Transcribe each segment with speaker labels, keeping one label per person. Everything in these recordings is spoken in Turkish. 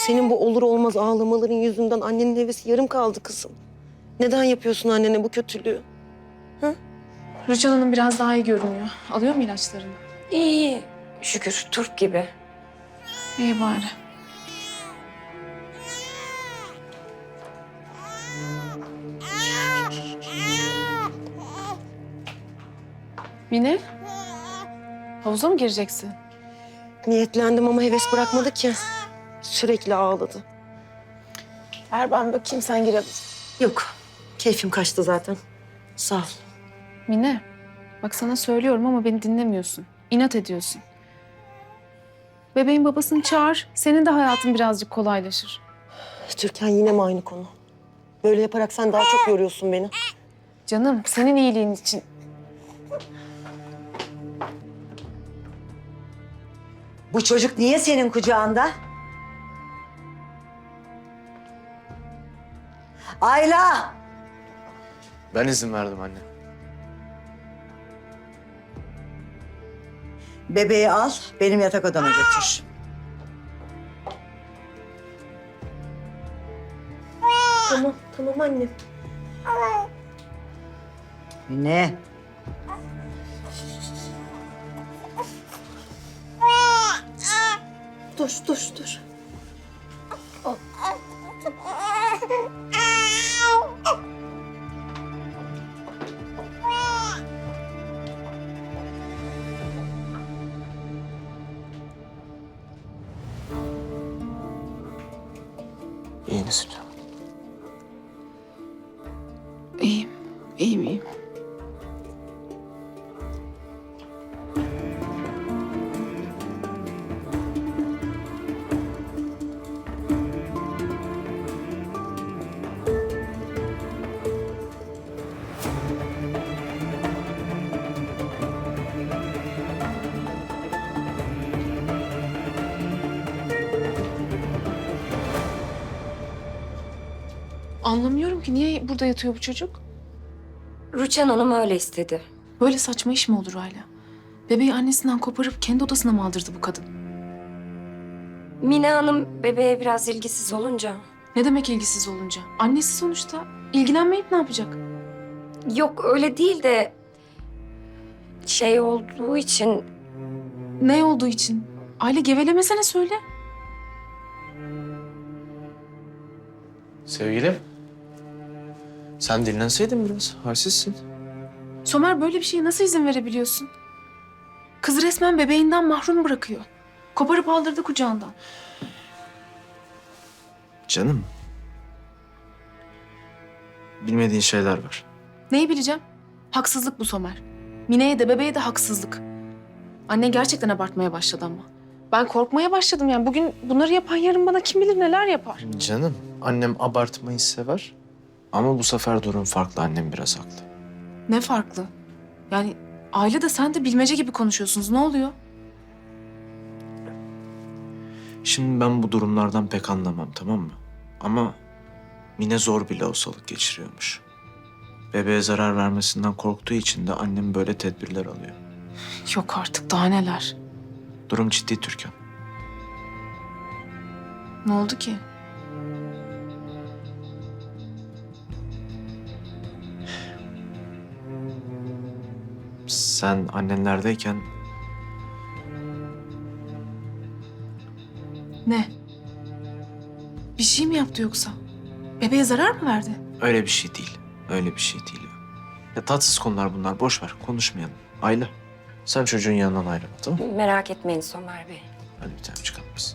Speaker 1: Senin bu olur olmaz ağlamaların yüzünden annenin hevesi yarım kaldı kızım. Neden yapıyorsun annene bu kötülüğü?
Speaker 2: Rüçhan Hanım biraz daha iyi görünüyor. Alıyor mu ilaçlarını?
Speaker 3: İyi iyi. Şükür turp gibi.
Speaker 2: İyi bari. Mine? Havuza mı gireceksin?
Speaker 1: Niyetlendim ama heves bırakmadı ki. Sürekli ağladı.
Speaker 2: Ver ben bakayım, sen gir hadi.
Speaker 1: Yok, keyfim kaçtı zaten. Sağ ol.
Speaker 2: Mine, bak sana söylüyorum ama beni dinlemiyorsun. İnat ediyorsun. Bebeğin babasını çağır. Senin de hayatın birazcık kolaylaşır.
Speaker 1: Türkan yine mi aynı konu? Böyle yaparak sen daha çok yoruyorsun beni.
Speaker 2: Canım, senin iyiliğin için.
Speaker 4: Bu çocuk niye senin kucağında? Ayla!
Speaker 5: Ben izin verdim anne.
Speaker 4: Bebeği al, benim yatak odama götür.
Speaker 1: Tamam, tamam anne.
Speaker 4: Ne?
Speaker 1: Dur.
Speaker 5: İyi misin canım?
Speaker 2: İyiyim. Anlamıyorum ki niye burada yatıyor bu çocuk?
Speaker 3: Rüçhan Hanım öyle istedi.
Speaker 2: Böyle saçma iş mi olur hala? Bebeği annesinden koparıp kendi odasına mı aldırdı bu kadın?
Speaker 3: Mine Hanım bebeğe biraz ilgisiz olunca.
Speaker 2: Ne demek ilgisiz olunca? Annesi sonuçta. İlgilenmeyip ne yapacak?
Speaker 3: Yok öyle değil de şey olduğu için
Speaker 2: Ne olduğu için? Aile gevelemesene söyle.
Speaker 5: Sevgilim. Sen dinlenseydin biraz. Halsizsin.
Speaker 2: Somer böyle bir şeye nasıl izin verebiliyorsun? Kız resmen bebeğinden mahrum bırakıyor. Koparıp aldırdı kucağından.
Speaker 5: Canım. Bilmediğin şeyler var.
Speaker 2: Neyi bileceğim? Haksızlık bu Somer. Mine'ye de bebeğe de haksızlık. Anne gerçekten abartmaya başladı ama. Ben korkmaya başladım yani. Bugün bunları yapan yarın bana kim bilir neler yapar.
Speaker 5: Canım. Annem abartmayı sever. Ama bu sefer durum farklı. Annem biraz haklı.
Speaker 2: Ne farklı? Yani aile de sen de bilmece gibi konuşuyorsunuz. Ne oluyor?
Speaker 5: Şimdi ben bu durumlardan pek anlamam, tamam mı? Ama Mine zor bir lohusalık geçiriyormuş. Bebeğe zarar vermesinden korktuğu için de annem böyle tedbirler alıyor.
Speaker 2: Yok artık daha neler.
Speaker 5: Durum ciddi Türkan.
Speaker 2: Ne oldu ki?
Speaker 5: Sen annenlerdeyken
Speaker 2: Ne? Bir şey mi yaptı yoksa? Bebeğe zarar mı verdi?
Speaker 5: öyle bir şey değil. Öyle bir şey değil. Ya tatsız konular bunlar. Boş ver. Konuşmayalım. Ayla. Sen çocuğun yanından ayrılma, tamam mı?
Speaker 3: merak etmeyin Somer Bey.
Speaker 5: Hadi bir tane çıkalım biz.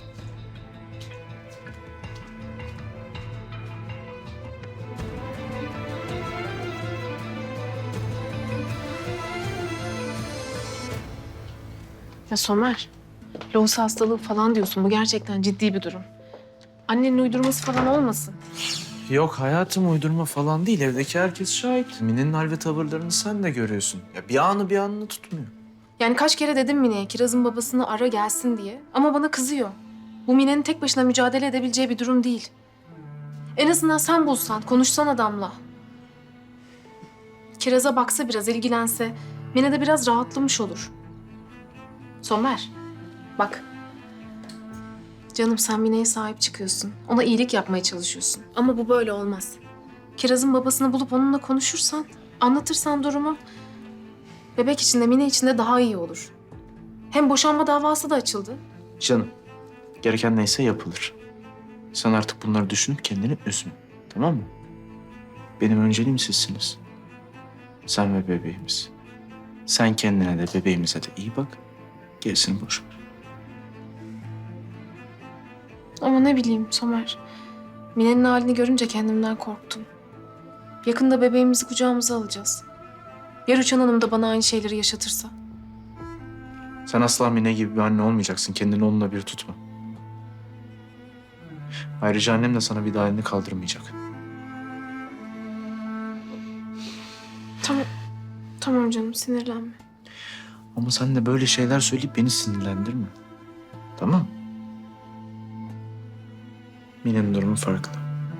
Speaker 2: Ya Somer, lohusa hastalığı falan diyorsun. Bu gerçekten ciddi bir durum. Annenin uydurması falan olmasın.
Speaker 5: Yok hayatım, uydurma falan değil. Evdeki herkes şahit. Mine'nin hal ve tavırlarını sen de görüyorsun. Ya bir anı bir anını tutmuyor.
Speaker 2: Yani kaç kere dedim Mine'ye Kiraz'ın babasını ara gelsin diye. Ama bana kızıyor. Bu Mine'nin tek başına mücadele edebileceği bir durum değil. En azından sen bulsan, konuşsan adamla. Kiraz'a baksa biraz, ilgilense Mine de biraz rahatlamış olur. Somer, bak. Canım sen Mine'ye sahip çıkıyorsun. Ona iyilik yapmaya çalışıyorsun. Ama bu böyle olmaz. Kiraz'ın babasını bulup onunla konuşursan, anlatırsan durumu... Bebek için de Mine için de daha iyi olur. Hem boşanma davası da açıldı.
Speaker 5: Canım, gereken neyse yapılır. Sen artık bunları düşünüp kendini üzme. Tamam mı? Benim önceliğim sizsiniz. Sen ve bebeğimiz. Sen kendine de bebeğimize de iyi bak. Gerisini boş ver.
Speaker 2: Ama ne bileyim Somer. Mine'nin halini görünce kendimden korktum. Yakında bebeğimizi kucağımıza alacağız. Ya Rüçhan Hanım da bana aynı şeyleri yaşatırsa?
Speaker 5: Sen asla Mine gibi bir anne olmayacaksın. Kendini onunla bir tutma. Ayrıca annem de sana bir daha elini kaldırmayacak.
Speaker 2: Tamam. Tamam canım sinirlenme.
Speaker 5: Ama sen de böyle şeyler söyleyip beni sinirlendirme. Tamam? Mine'nin durumu farklı.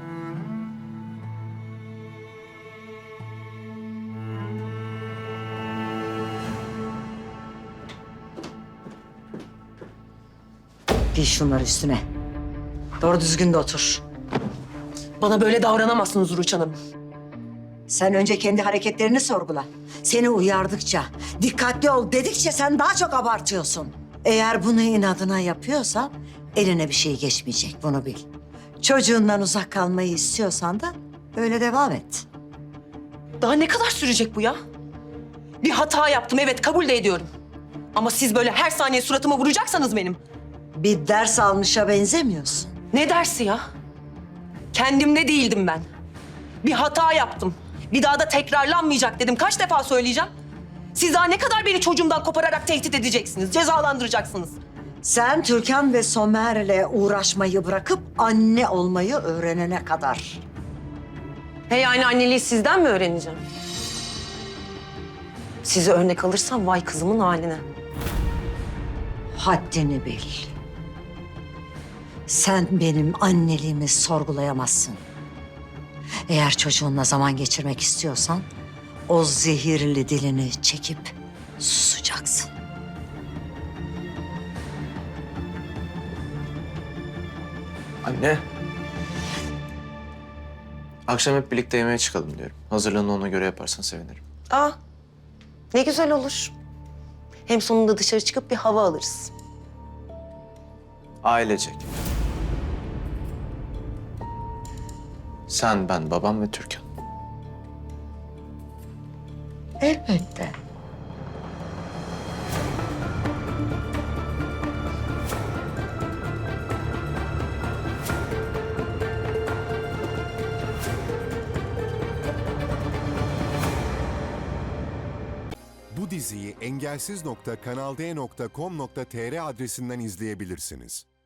Speaker 4: Giy şunları üstüne. Doğru düzgün de otur.
Speaker 1: Bana böyle davranamazsınız Rüçhan Hanım.
Speaker 4: Sen önce kendi hareketlerini sorgula. Seni uyardıkça, dikkatli ol dedikçe sen daha çok abartıyorsun. Eğer bunu inadına yapıyorsan eline bir şey geçmeyecek, bunu bil. Çocuğundan uzak kalmayı istiyorsan da böyle devam et.
Speaker 1: Daha ne kadar sürecek bu ya? Bir hata yaptım, evet kabul de ediyorum. Ama siz böyle her saniye suratıma vuracaksanız benim.
Speaker 4: Bir ders almışa benzemiyorsun.
Speaker 1: Ne dersi ya? Kendimde değildim ben. Bir hata yaptım. Bir daha da tekrarlanmayacak dedim. Kaç defa söyleyeceğim? Siz daha ne kadar beni çocuğumdan kopararak tehdit edeceksiniz, cezalandıracaksınız?
Speaker 4: Sen Türkan ve Somer'le uğraşmayı bırakıp anne olmayı öğrenene kadar.
Speaker 1: He yani anneliği sizden mi öğreneceğim? Sizi örnek alırsam vay kızımın haline.
Speaker 4: Haddini bil. Sen benim anneliğimi sorgulayamazsın. Eğer çocuğunla zaman geçirmek istiyorsan o zehirli dilini çekip susacaksın.
Speaker 5: Anne. Akşam hep birlikte yemeğe çıkalım diyorum. Hazırlığını ona göre yaparsan sevinirim.
Speaker 1: Aa, ne güzel olur. Hem sonunda dışarı çıkıp bir hava alırız.
Speaker 5: Ailecek. Sen, ben, babam ve Türkan.
Speaker 4: Elbette.
Speaker 6: Bu diziyi engelsiz.kanalde.com.tr adresinden izleyebilirsiniz.